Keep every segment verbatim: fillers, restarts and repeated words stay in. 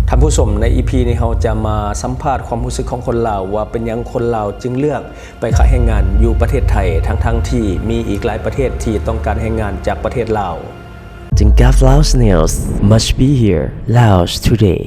ท่านผู้ชมใน อี พี นี้เราจะมาสัมภาษณ์ความรู้สึกของคนลาวว่าเป็นยังคนลาวจึงเลือกไปขายแรงงานอยู่ประเทศไทยทั้งทั้งที่มีอีกหลายประเทศที่ต้องการแรงงานจากประเทศลาว Tingkat Laos News must be here Laos Today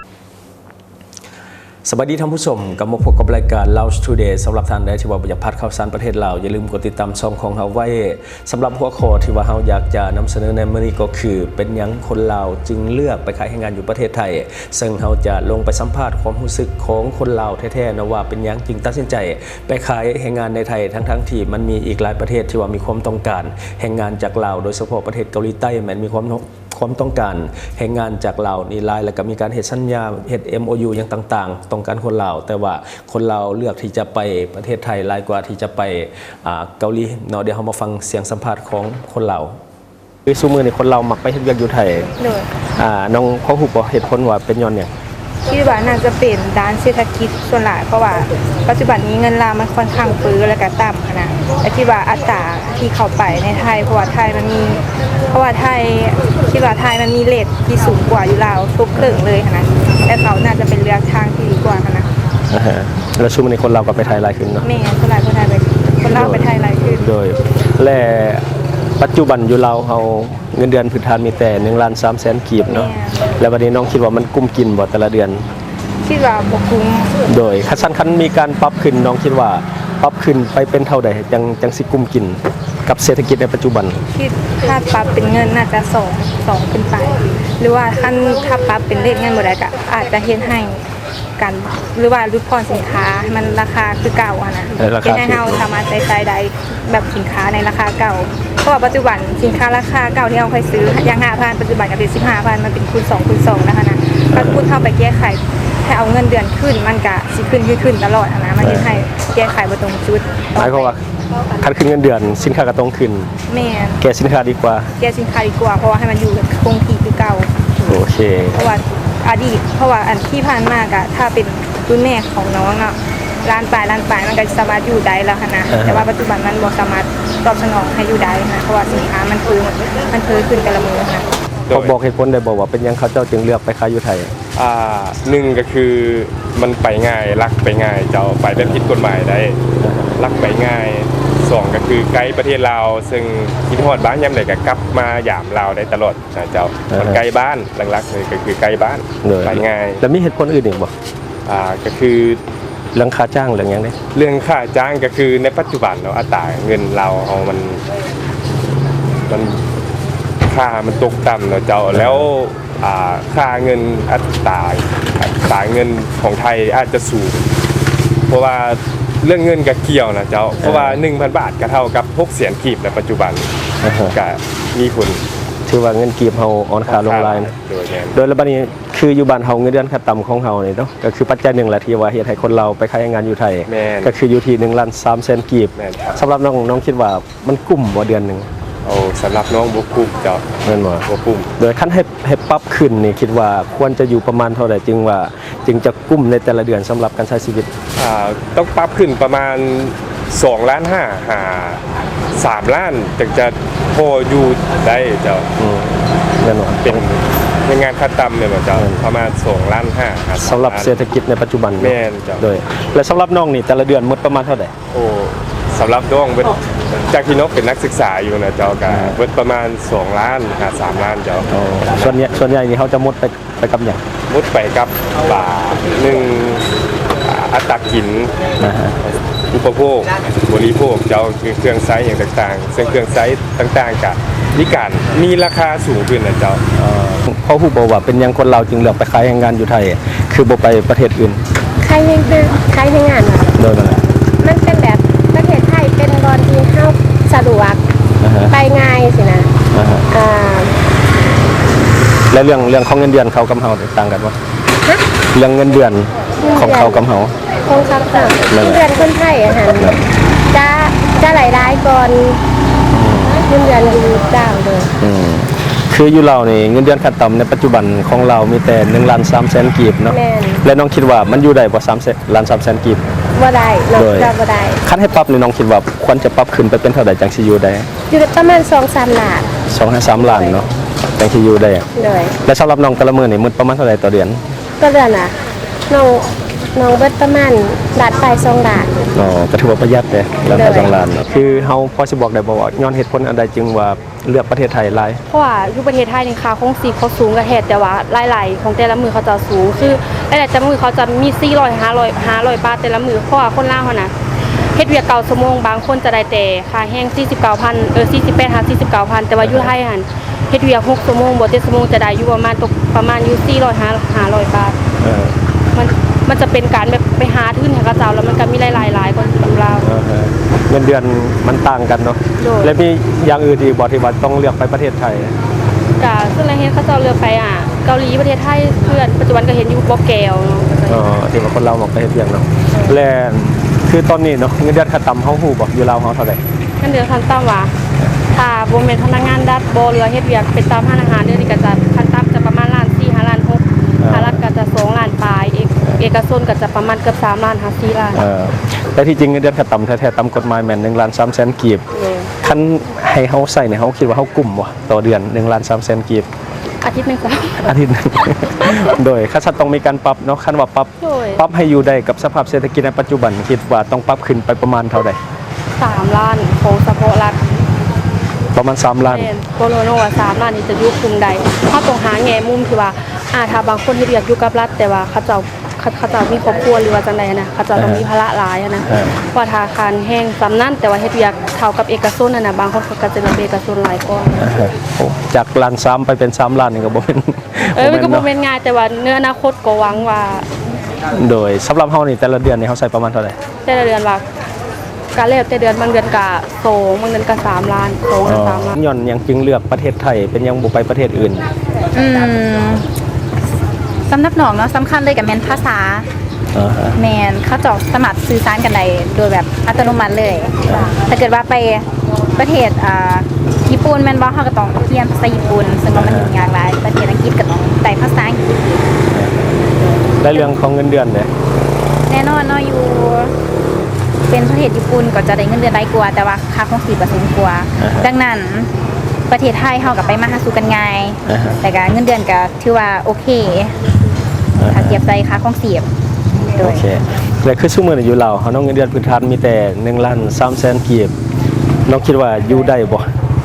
สวัสดีท่านผู้ชมกลับมาพบกับรายการ Laos Today สำหรับท่านใดที่ว่าอยากพัดข่าวสารประเทศลาวอย่าลืมกดติดตามช่องของเราไว้สำหรับหัวข้อที่ว่าเราอยากจะนำเสนอในมื้อนี้ก็คือเป็นยังคนลาวจึงเลือกไปขายแรงงานอยู่ประเทศไทยซึ่งเราจะลงไปสัมภาษณ์ความรู้สึกของคนลาวแท้ๆนะว่าเป็นยังจึงตัดสินใจไปขายแรงงานในไทยทั้งๆที่มันมีอีกหลายประเทศที่ว่ามีความต้องการแรงงานจากลาวโดยเฉพาะประเทศเกาหลีใต้มันมีความความต้องการแรงงานจากลาวนี่หลายแล้วก็มีการเฮ็ดสัญญาเฮ็ด เอ็ม โอ ยู อย่างต่างๆต้องการคนลาวแต่ว่าคนลาวเลือกที่จะไปประเทศไทยหลายกว่าที่จะไปเกาหลีเนาะเดี๋ยวเรามาฟังเสียงสัมภาษณ์ของคนลาวคือซุมื้อนี้คนลาวมักไปเฮ็ดเวียกอยู่ไทยโดยอ่าน้องเขาฮู้บ่เหตุผลว่าเป็นย้อนหยังคิดว่าน่าจะเป็นด้านเศรษฐกิจส่วนหลายเพราะว่าปัจจุบันนี้เงินลาวมันค่อนข้างฟื้อและก็ต่ำนะแต่ที่ว่าอัตราที่เข้าไปในไทยเพราะว่าไทยมันมีเพราะว่าไทยคิดว่าไทยมันมีเรทที่สูงกว่าอยู่ลาวทุกเรื่องเลยนะแต่เขาน่าจะเป็นเลือกทางที่ดีกว่านะแล้วช่วงนี้คนลาวก็ไปไทยหลายขึ้นเนาะแม่คนลาวคนไทยไปคนลาวไปไทยหลายขึ้นโดยและปัจจุบันอยู่ลาวเฮาเงินเดือนพื้นฐานมีแต่หนึ่งล้านสามแสนกีบเนาะแล้ววันนี้น้องคิดว่ามันกุ้มกินบ่แต่ละเดือนคิดว่าบ่กุ้มโดยคันซั่นคันมีการปรับขึ้นน้องคิดว่าปรับขึ้นไปเป็นเท่าใดจังจังสิกุ้มกินกับเศรษฐกิจในปัจจุบันคิดถ้าปรับเป็นเงินน่าจะสอง สองขึ้นไปหรือว่าคันถ้าปรับเป็นเลขเงินบ่ได้ก็อาจจะเฮ็ดให้กันหรือว่าลดพรสินค้ามันราคาคือเก่าอ่ะนะเฮ็ดให้เฮาสามารถใช้จ่ายได้แบบสินค้าในราคาเก่าเพราะว่าปัจจุบันสินค้าราคาเก่าที่เราเคยซื้ออย่าง ห้าพัน ปัจจุบันก็เป็น สิบห้าพัน มันเป็นคูณสองคูณสองนะคะนะถ้าคุณเข้าไปแก้ไขให้เอาเงินเดือนขึ้นมันก็สิขึ้นขึ้นตลอดนะมันเฮ็ดให้แก้ไขบ่ตรงจุดหมายความว่าคันขึ้นเงินเดือนสินค้าก็ต้องขึ้นแม่นแก้สินค้าดีกว่าแก้สินค้าดีกว่าเพราะว่าให้มันอยู่คงที่คือเก่าโอเคเพราะว่าอดีตเพราะว่าอันที่ผ่านมาก็ถ้าเป็นรุ่นแม่ของน้องเนาะร้านปลายร้านปลายมันก็สามารถอยู่ได้แล้วค่ะนะแต่ว่าปัจจุบันมันบ่สามารถตอบสนองให้อยู่ได้นะเพราะว่าสินค้ามันคือมันเพิ่มขึ้นแต่ละมื้อนะเขาบอกเหตุผลได้บอกว่าเป็นยังเขาเจ้าจึงเลือกไปขายอยู่ไทยอ่าหนึ่งก็คือมันไปง่ายลักไปง่ายเจ้าไปแบบผิดกฎหมายได้ลักไปง่ายสองก็คือไกด์ประเทศลาวซึ่งคิดฮอดบ้านยามใดก็กลับมาหยามลาวได้ตลอดนะเจ้ามันไกลบ้านหลักๆเลยก็คือไกลบ้านไปง่ายแล้วมีเหตุผลอื่นอีกบ่อ่าก็คือเรื่องค่าจ้างเรื่องหยังนี่เรื่องค่าจ้างก็คือในปัจจุบันเนาะอัตราเงินเราเฮามันมันค่ามันตกต่ำเนาะเจ้าแล้วอ่าค่าเงินอัตราอัตราเงินของไทยอาจจะสูงเพราะว่าเรื่องเงินก็เกี่ยวนะเจ้าเพราะว่า หนึ่งพัน บาทก็เท่ากับหกแสนกีบในปัจจุบันก็มีคนถือว่าเงินกีบเฮาอ่อนค่าลงหลายนะโดยระบัดนี้คืออยู่บ้านเฮาเงินเดือนขั้นต่ำของเฮานี่เนาะก็คือปัจจัยหนึ่งแหละที่ว่าเฮ็ดให้คนเราไปขายงานอยู่ไทยก็คืออยู่ที่หนึ่งล้านสามแสนกีบสำหรับน้องน้องคิดว่ามันกุ้มบ่เดือนนึงโอ้สำหรับน้องบ่กุ้มเจ้าแม่นบ่บ่กุ้มโดยคันให้ให้ปรับขึ้นนี่คิดว่าควรจะอยู่ประมาณเท่าใดจึงว่าจึงจะกุ้มในแต่ละเดือนสำหรับการใช้ชีวิตอ่าต้องปรับขึ้นประมาณสองล้านห้าหาสามล้านถึงจะพออยู่ได้เจ้าอืมแน่นอนเป็นงานขั้นต่ำเลยเจ้าประมาณสองล้านห้าสำหรับเศรษฐกิจในปัจจุบันแม่นเจ้าโดยและสำหรับน้องนี่แต่ละเดือนหมดประมาณเท่าใดโอ้สำหรับน้องเป็นจากที่นกเป็นนักศึกษาอยู่นะเจ้าก็เบิดประมาณสองล้านหาสามล้านเจ้าส่วนใหญ่ส่วนใหญ่นี่เขาจะหมดไปไปกับหยังหมดไปกับป่าหนึ่งอัตรากินอุปโภคบริโภคเจ้าคือเครื่องใช้อย่างต่างๆซึ่งเครื่องใช้ต่างๆกับนิการมีราคาสูงขึ้นนะเจ้าเขาฮู้บ่ว่าเป็นยังคนเราจึงเลือกไปขายแรงงานอยู่ไทยคือบ่ไปประเทศอื่นขายแรงงานขายแรงงานโดยมันมันเป็นแบบประเทศไทยเป็นบอนที่เฮาสะดวกไปง่ายสินะอ่าแล้วเรื่องเรื่องของเงินเดือนเขากับเฮาต่างกันบ่เรื่องเงินเดือนของเขากับเฮาของเขาค่ะเงินเดือนคนไทยอ่ะหั่นจะจะหลายๆก่อนเงินเดือนอยู่เจ้าเด้ออืมคืออยู่เรานี่เงินเดือนขั้นต่ำในปัจจุบันของเรามีแต่หนึ่งล้านสามแสนกีบเนาะและน้องคิดว่ามันอยู่ได้บ่สามล้านสามแสนกีบบ่ได้น้องจะบ่ได้คันให้ปรับนี่น้องคิดว่าควรจะปรับขึ้นไปเป็นเท่าใดจังสิอยู่ได้อยู่ประมาณ สองถึงสาม ล้านสองถึงสาม ล้านเนาะจังสิอยู่ได้เลยและสำหรับน้องแต่ละมื้อนี่มื้อประมาณเท่าใดต่อเดือนก็เดือนอ่ะน้องน้องเบิดประมาณดาดไปสองดาดอ๋อก็ถือว่าประหยัดเลยแล้วก็เลยสองล้านเนาะคือเฮาพอสิบอกได้บ่ว่าย้อนเหตุผลอันใดจึงว่าเลือกประเทศไทยหลายเพราะว่าอยู่ประเทศไทยนี่ค่าคงชีพเขาสูงกว่าแฮดแต่ว่าหลายๆของแต่ละมือเขาจะสูงคือหลายๆแต่ละมือเขาจะมีสี่ร้อย ห้าร้อย ห้าร้อยบาทแต่ละมือเพราะว่าคนลาวเฮาน่ะเฮ็ดเวียกเก่าชั่วโมงบางคนจะได้แต่ค่าแห้งสี่สิบเก้าพันเออสี่สิบแปด ห้า สี่สิบเก้าพันแต่ว่าอยู่ไทยหั่นเฮ็ดเวียกหกชั่วโมงบ่เจ็ดชั่วโมงจะได้อยู่ประมาณตกประมาณอยู่สี่ร้อย ห้าร้อยบาทเออมันมันจะเป็นการแบบไปหาทุนให้เขาเจ้าแล้วมันก็มีหลายๆหลายคนอยู่ลาวเออเงินเดือนมันต่างกันเนาะโดยและมีอย่างอื่นอีกบ่ที่ว่าต้องเลือกไปประเทศไทยกะซึ่งแล้วเฮ็ดเขาเจ้าเลือกไปอ่ะเกาหลีประเทศไทยเพื่อนปัจจุบันก็เห็นอยู่บ่แก้วเนาะอ๋อที่ว่าคนเราบอกไปเฮ็ดเวียกเนาะและคือตอนนี้เนาะเงินเดือนขั้นต่ำเฮาฮู้บ่อยู่ลาวเฮาเท่าใดขั้นเดือนขั้นต่ำว่าถ้าบ่แม่นพนักงานดัดบ่หรือเฮ็ดเวียกเป็นตามร้านอาหารเดือนนี้ก็จะขั้นต่ำจะประมาณล้านสี่ ห้าล้านหกภาครัฐก็จะสองล้านปลายเอกเอกชนก็จะประมาณเกือบสามล้านห้า สี่ล้านเออแต่ที่จริงเงินเดือนขั้นต่ำแท้ๆตามกฎหมายแม่นหนึ่งล้านสามแสนกีบเออคันให้เฮาใส่เนี่ยเฮาคิดว่าเฮากลุ่มบ่ต่อเดือนหนึ่งล้านสามแสนกีบอาทิตย์หนึงก็อาทิตย์หนึง โดยคันต้องมีการปรับเนาะคันว่าปรับโดยปรับให้อยู่ได้กับสภาพเศรษฐกิจในปัจจุบันคิดว่าต้องปรับขึ้นไปประมาณเท่าใดสามล้านของเฉพาะรัฐประมาณสามล้านแม่นโปโลโนว่าสามล้านนี่จะอยู่คุมใดเฮาต้องหาแง่มุมที่ว่าอ่าถ้าบางคนเฮ็ดเวียกอยู่กับรัฐแต่ว่าเขาเจ้าเขาเขาเจ้ามีครอบครัวหรือว่าจังไดนะเขาเจ้าต้องมีภาระหลายอะนะเออว่าธนาคารแห้งสำนั่นแต่ว่าเฮ็ดเวียกเท่ากับเอกชนน่ะนะบางคนเขาก็จะเป็นเอกชนหลายกว่าอ่าฮะโอ้จากล้านสามไปเป็นสามล้านนี่ก็บ่เป็นเออมันก็บ่เนาะแม่นง่ายแต่ว่าเนื้ออนาคตก็หวังว่าโดยสำหรับเฮานี่แต่ละเดือนนี่เฮาใส่ประมาณเท่าไหร่แต่ละเดือนว่าการแล้วแต่เดือนบางเดือนก็สองบางเดือนก็สามล้านสองล้านสามล้านย้อนหยังจึงเลือกประเทศไทยเป็นหยังบ่ไปประเทศอื่นอืมสำหรับน้องเนาะสำคัญเลยกับแมนภาษาอ่าฮะแมนเขาเจาะสมัครสื่อสารกันได้โดยแบบอัตโนมัติเลยถ้าเกิดว่าไปประเทศอ่าญี่ปุ่นแมนบ่เขาก็ต้องเรียนภาษาญี่ปุ่นซึ่งว่ามันยุ่งยากหลายประเทศอังกฤษก็ต้องได้ภาษาอังกฤษได้เรื่องของเงินเดือนเนี่ยแน่นอนเนาะอยู่เป็นประเทศญี่ปุ่นก็จะได้เงินเดือนหลายกว่าแต่ว่าค่าครองชีพก็สูงกว่าดังนั้นประเทศไทยเฮากับไปมาหาสู่กันง่ายอ่าฮะแต่ก็เงินเดือนก็ถือว่าโอเคถ้าเทียบใจค่าครองชีพโดโอย เคแล้วคือซุมื้อนี้อยู่ลาวเฮาเนาะเงินเดือนพื้นฐานมีแต่หนึ่งล้านสามแสนกีบน้องคิดว่าอยู่ได้บ่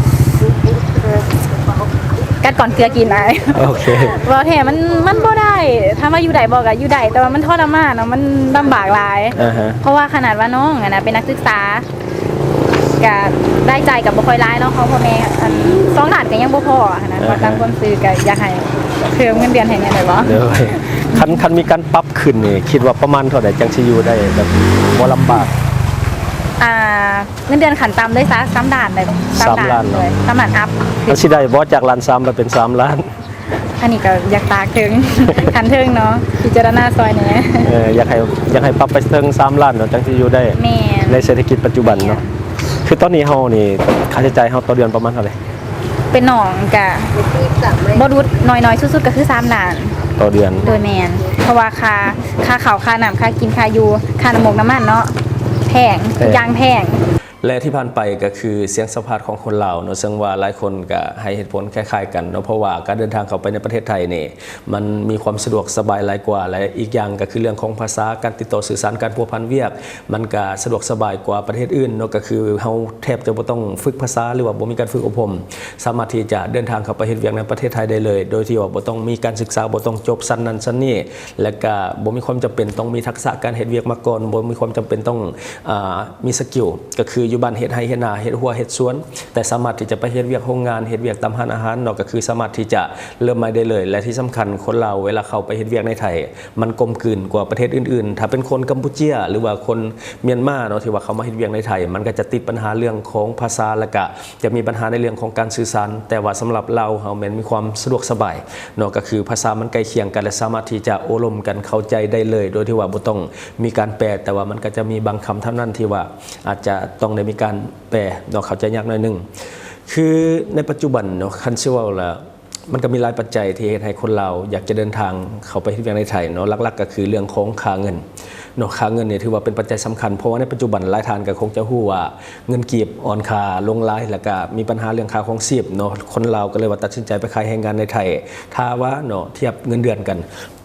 กัดก่อนเกลือกินไอ้โอเคบ่แท้มันมันบ่ได้ถ้าว่าอยู่ได้บ่ก็อยู่ได้แต่ว่ามันทรมานเนาะมันลำบากหลายอ่าฮะเพราะว่าขนาดว่าน้องอะนะเป็นนักศึกษาก็ได้ใจกับบ่ค่อยร้ายเนาะเขาพ่อแม่อันสองล้านก็ยังบ่พออะนะว่าตามความซื้อก็อยากให้เพิ่มเงินเดือนให้แหน่ได้บ่เดี๋ยวคันคันมีการปรับขึ้นนี่คิดว่าประมาณเท่าใดจังสิอยู่ได้แบบบ่ลำบากอ่าเงินเดือนขั้นต่ำเลยซะสามล้านเลยสามล้านเนอะเลยสามล้านอัพมันสิได้บ่จากล้านสามไปเป็นสามล้านอันนี้ก็อยากตากถึง คันถึงเนาะพิจารณาซอยแหน่เอออยากให้อยากให้ปรับไปถึงสามล้านเนาะจังสิอยู่ได้แม่นในเศรษฐกิจปัจจุบันเนาะคือตอนนี้เฮานี่ค่าใช้จ่ายเฮาต่อเดือนประมาณเท่าไหร่เป็นหนองกะบ่รุดน้อยๆสุดๆก็คือสามล้านต่อเดือนโดยแมนเพราะว่าค่าค่าข้าวค่าน้ำค่ากินค่าอยู่ค่าน้ำมกน้ำมันเนาะแพงทุกอย่างแพงและที่ผ่านไปก็คือเสียงสัมภาษณ์ของคนลาวเนาะซึ่งว่าหลายคนก็ให้เหตุผลคล้ายๆกันเนาะเพราะว่าการเดินทางเข้าไปในประเทศไทยนี่มันมีความสะดวกสบายหลายกว่าและอีกอย่างก็คือเรื่องของภาษาการติดต่อสื่อสารการพัวพันเวียกมันก็สะดวกสบายกว่าประเทศอื่นเนาะก็คือเฮาแทบจะบ่ต้องฝึกภาษาหรือว่าบ่มีการฝึกอบรมสามารถที่จะเดินทางเข้าไปเฮ็ดเวียกในประเทศไทยได้เลย โดยที่ว่าบ่ต้องมีการศึกษาบ่ต้องจบชั้นนั้นชั้นนี้และก็บ่มีความจำเป็นต้องมีทักษะการเฮ็ดเวียกมาก่อนบ่มีความจำเป็นต้องอ่ามีสกิลก็คืออยู่บ้านเฮ็ดไร่เฮ็ดนาเฮ็ดหัวเฮ็ดสวนแต่สามารถที่จะไปเฮ็ดเวียกโรงงานเฮ็ดเวียกตามร้านอาหารเนาะก็คือสามารถที่จะเริ่มมาได้เลยและที่สำคัญคนเราเวลาเข้าไปเฮ็ดเวียกในไทยมันกลมกลืนกว่าประเทศอื่นๆถ้าเป็นคนกัมพูเชียหรือว่าคนเมียนมาเนาะที่ว่าเขามาเฮ็ดเวียกในไทยมันก็จะติดปัญหาเรื่องของภาษาและก็จะมีปัญหาในเรื่องของการสื่อสารแต่ว่าสำหรับเราเฮาแม่นมีความสะดวกสบายเนาะก็คือภาษามันใกล้เคียงกันและสามารถที่จะโอ้ลมกันเข้าใจได้เลยโดยที่ว่าบ่ต้องมีการแปลแต่ว่ามันก็จะมีบางคำเท่านั้นที่ว่าอาจจะต้องได้มีการแปลเนาะเข้าใจยากหน่อยนึงคือในปัจจุบันเนาะคันสิเว้าแล้วมันก็มีหลายปัจจัยที่เฮ็ดให้คนเราอยากจะเดินทางเข้าไปที่เวียงในไทยเนาะหลักๆก็คือเรื่องของค่าเงินเนาะค่าเงินเนี่ยถือว่าเป็นปัจจัยสำคัญเพราะว่าในปัจจุบันหลายท่านก็คงจะฮู้ว่าเงินกีบอ่อนค่าลงหลายแล้วก็มีปัญหาเรื่องค่าครองชีพเนาะคนลาวก็เลยว่าตัดสินใจไปขายแรงงานในไทยถ้าว่าเนาะเทียบเงินเดือนกัน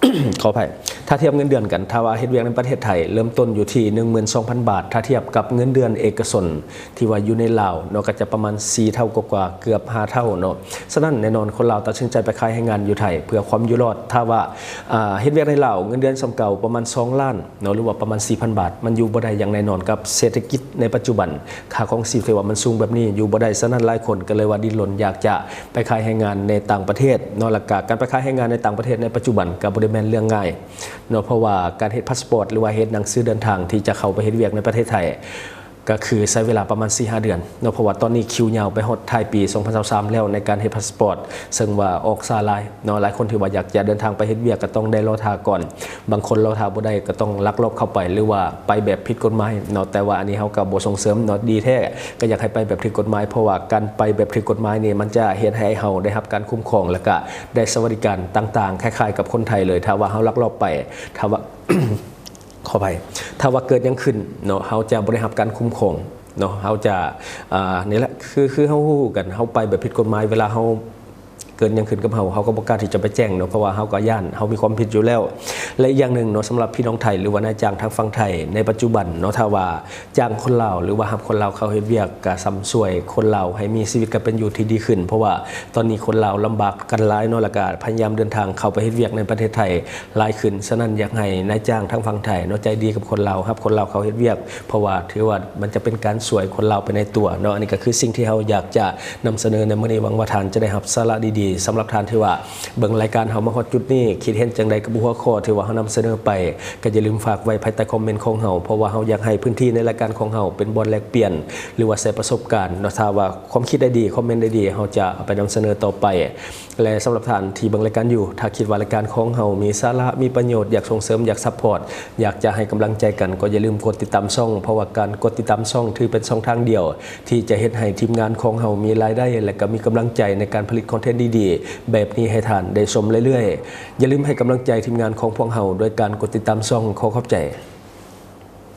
ขออภัยถ้าเทียบเงินเดือนกันถ้าว่าเฮ็ดเวียกในประเทศไทยเริ่มต้นอยู่ที่ หนึ่งหมื่นสองพัน บาท ถ้าเทียบกับเงินเดือนเอกชนที่ว่าอยู่ในลาวเนาะก็จะประมาณสี่เท่ากว่าๆเกือบห้าเท่าเนาะฉะนั้นแน่นอนคนลาวตัดสินใจไปขายให้งานอยู่ไทยเพื่อความอยู่รอดถ้าว่าอ่าเฮ็ดเวียกในลาวเงินเดือนสำเก่าประมาณสองล้านเนาะหรือว่าประมาณ สี่พัน บาทมันอยู่บ่ได้อย่างแน่นอนกับเศรษฐกิจในปัจจุบันค่าของชีพที่ว่ามันสูงแบบนี้อยู่บ่ได้ฉะนั้นหลายคนก็เลยว่าดิ้นรนอยากจะไปขายให้งานในต่างประเทศเนาะแล้วก็การไปขายให้งานในต่างประเทศในปัจจุบันก็บ่ได้แม่นเรื่องง่ายเนาะเพราะว่าการเฮ็ดพาสปอร์ตหรือว่าเฮ็ดหนังสือเดินทางที่จะเข้าไปเฮ็ดเวียกในประเทศไทยก็คือใช้เวลาประมาณ สี่ห้า เดือนเนาะเพราะว่าตอนนี้คิวยาวไปฮอดท้ายปีสองพันยี่สิบสามแล้วในการเฮ็ดพาสปอร์ตซึ่งว่าออกซาลายเนาะหลายคนที่ว่าอยากจะเดินทางไปเฮ็ดเวียกก็ต้องได้รอท่าก่อนบางคนรอท่าบ่ได้ก็ต้องลักลอบเข้าไปหรือว่าไปแบบผิดกฎหมายเนาะแต่ว่าอันนี้เฮาก็บ่ส่งเสริมเนาะดีแท้ก็อยากให้ไปแบบผิดกฎหมายเพราะว่าการไปแบบผิดกฎหมายนี่มันจะเฮ็ดให้เฮาได้รับการคุ้มครองแล้วก็ได้สวัสดิการต่างๆคล้ายๆกับคนไทยเลยถ้าว่าเฮาลักลอบไปถ้าว่า ขอไปถ้าว่าเกิดยังขึ้นเนาะเฮาจะบ่ได้รับการคุ้มครองเนาะเฮาจะอ่านี่แหละคือคือเฮาฮู้กันเฮาไปแบบผิดกฎหมายเวลาเฮาเกินยังขึ้นกับเฮาเฮาก็บ่กล้าที่จะไปแจ้งเนาะเพราะว่าเฮาก็ย่านเฮามีความผิดอยู่แล้วและอีกอย่างหนึ่งเนาะสำหรับพี่น้องไทยหรือว่านายจ้างทางฝั่งไทยในปัจจุบันเนาะถ้าว่าจ้างคนลาวหรือว่ารับคนลาวเข้าเฮ็ดเวียกก็ซ้ำช่วยคนลาวให้มีชีวิตการเป็นอยู่ที่ดีขึ้นเพราะว่าตอนนี้คนลาวลำบากกันหลายเนาะแล้วก็พยายามเดินทางเข้าไปเฮ็ดเวียกในประเทศไทยหลายขึ้นฉะนั้นอยากให้นายจ้างทางฝั่งไทยเนาะใจดีกับคนลาวรับคนลาวเข้าเฮ็ดเวียกเพราะว่าถือว่ามันจะเป็นการช่วยคนลาวไปในตัวเนาะอันนี้ก็คือสิ่งที่เฮาอยากจะนำเสนอในมื้อนี้หวังว่าท่านจะได้รับสาระดีๆสำหรับท่านที่ว่าเบิ่งรายการเฮามาฮอดจุดนี้คิดเห็นจังใดกับหัวข้อที่ว่าเฮานำเสนอไปก็อย่าลืมฝากไว้ภายใต้คอมเมนต์ของเฮาเพราะว่าเฮาอยากให้พื้นที่ในรายการของเฮาเป็นบ่อนแลกเปลี่ยนหรือว่าแชร์ประสบการณ์เนาะถ้าว่าความคิดได้ดีคอมเมนต์ได้ดีเฮาจะเอาไปนำเสนอต่อไปและสำหรับท่านที่เบิ่งรายการอยู่ถ้าคิดว่ารายการของเฮามีสาระมีประโยชน์อยากส่งเสริมอยากซัพพอร์ตอยากจะให้กำลังใจกันก็อย่าลืมกดติดตามช่องเพราะว่าการกดติดตามช่องถือเป็นช่องทางเดียวที่จะเฮ็ดให้ทีมงานของเฮามีรายได้และก็มีกำลังใจในการผลิตคอนเทนต์ดีๆแบบนี้ให้ท่านได้ชมเรื่อยๆอย่าลืมให้กำลังใจทีมงานของพวกเฮาด้วยการกดติดตามช่องขอขอบใจ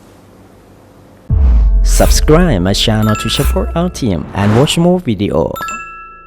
Subscribe my channel to support our team and watch more video.